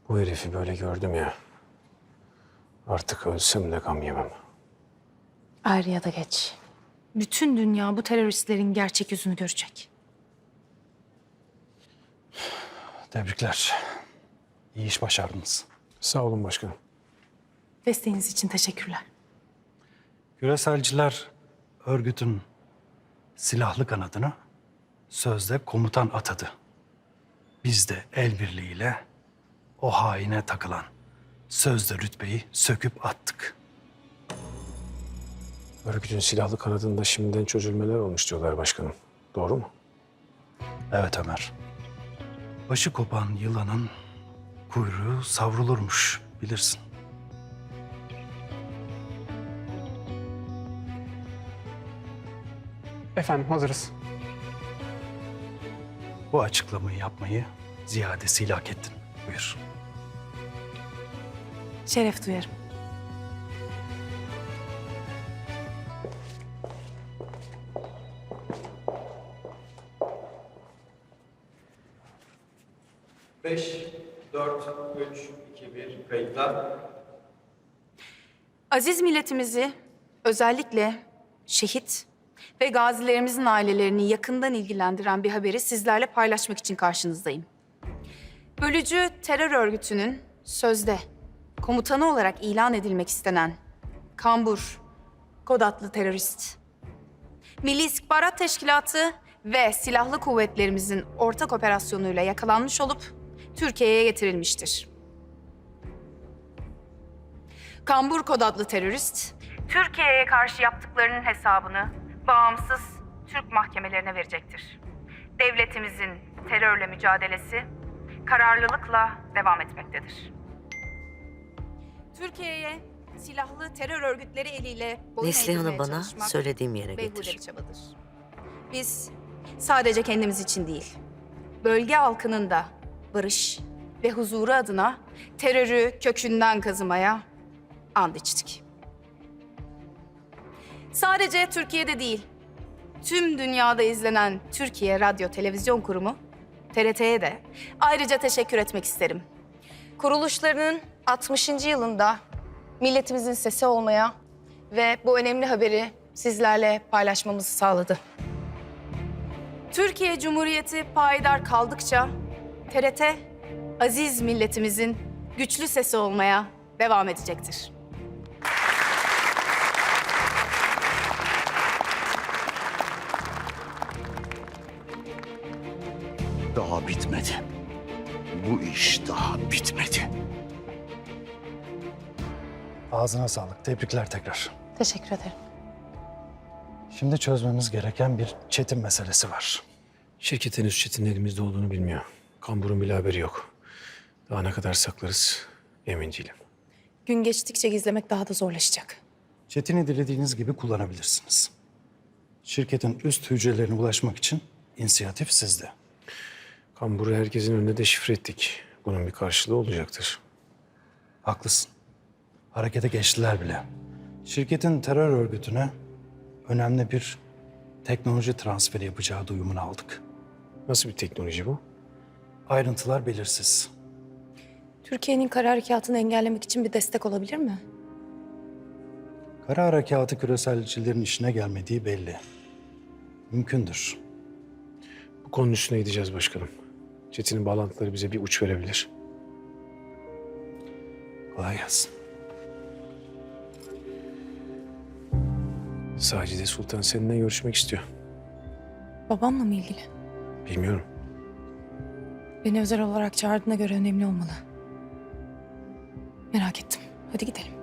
Bu herifi böyle gördüm ya. Artık ölsem de gam yemem. Er ya da geç. Bütün dünya bu teröristlerin gerçek yüzünü görecek. Tebrikler. İyi iş başardınız. Sağ olun başkanım. Desteğiniz için teşekkürler. Küreselciler örgütün silahlı kanadına sözde komutan atadı. Biz de el birliğiyle o haine takılan sözde rütbeyi söküp attık. Örgütün silahlı kanadında şimdiden çözülmeler olmuş diyorlar başkanım. Doğru mu? Evet Ömer. Başı kopan yılanın kuyruğu savrulurmuş bilirsin. Efendim hazırız. Bu açıklamayı yapmayı ziyadesiyle hak ettin. Buyur. Şeref duyarım. Beş, dört, üç, iki, bir, kayıtlar. Aziz milletimizi, özellikle şehit ve gazilerimizin ailelerini yakından ilgilendiren bir haberi sizlerle paylaşmak için karşınızdayım. Bölücü terör örgütünün sözde komutanı olarak ilan edilmek istenen Kambur kod adlı terörist, Milli İstihbarat Teşkilatı ve silahlı kuvvetlerimizin ortak operasyonuyla yakalanmış olup Türkiye'ye getirilmiştir. Kambur kod adlı terörist, Türkiye'ye karşı yaptıklarının hesabını bağımsız Türk mahkemelerine verecektir. Devletimizin terörle mücadelesi kararlılıkla devam etmektedir. Türkiye'ye silahlı terör örgütleri eliyle boyun Neslihan'ı eğdirmeye bana çalışmak söylediğim yere beyhude getir. bir çabadır. Biz sadece kendimiz için değil, bölge halkının da barış ve huzuru adına terörü kökünden kazımaya and içtik. Sadece Türkiye'de değil, tüm dünyada izlenen Türkiye Radyo Televizyon Kurumu, TRT'ye de ayrıca teşekkür etmek isterim. Kuruluşlarının 60. yılında milletimizin sesi olmaya ve bu önemli haberi sizlerle paylaşmamızı sağladı. Türkiye Cumhuriyeti payidar kaldıkça TRT, aziz milletimizin güçlü sesi olmaya devam edecektir. Daha bitmedi. Bu iş daha bitmedi. Ağzına sağlık. Tebrikler tekrar. Teşekkür ederim. Şimdi çözmemiz gereken bir çetin meselesi var. Şirket henüz Çetin'in elimizde olduğunu bilmiyor. Kambur'un bile haberi yok. Daha ne kadar saklarız emin değilim. Gün geçtikçe gizlemek daha da zorlaşacak. Çetin'i dilediğiniz gibi kullanabilirsiniz. Şirketin üst hücrelerine ulaşmak için inisiyatif sizde. Kambur'u herkesin önünde deşifre ettik. Bunun bir karşılığı olacaktır. Haklısın. Harekete geçtiler bile. Şirketin terör örgütüne önemli bir teknoloji transferi yapacağı duyumunu aldık. Nasıl bir teknoloji bu? Ayrıntılar belirsiz. Türkiye'nin kara harekatını engellemek için bir destek olabilir mi? Kara harekatı küreselcilerin işine gelmediği belli. Mümkündür. Bu konunun üstüne gideceğiz başkanım. Çetin'in bağlantıları bize bir uç verebilir. Kolay gelsin. Sacide Sultan seninle görüşmek istiyor. Babamla mı ilgili? Bilmiyorum. Beni özel olarak çağırdığına göre önemli olmalı. Merak ettim. Hadi gidelim.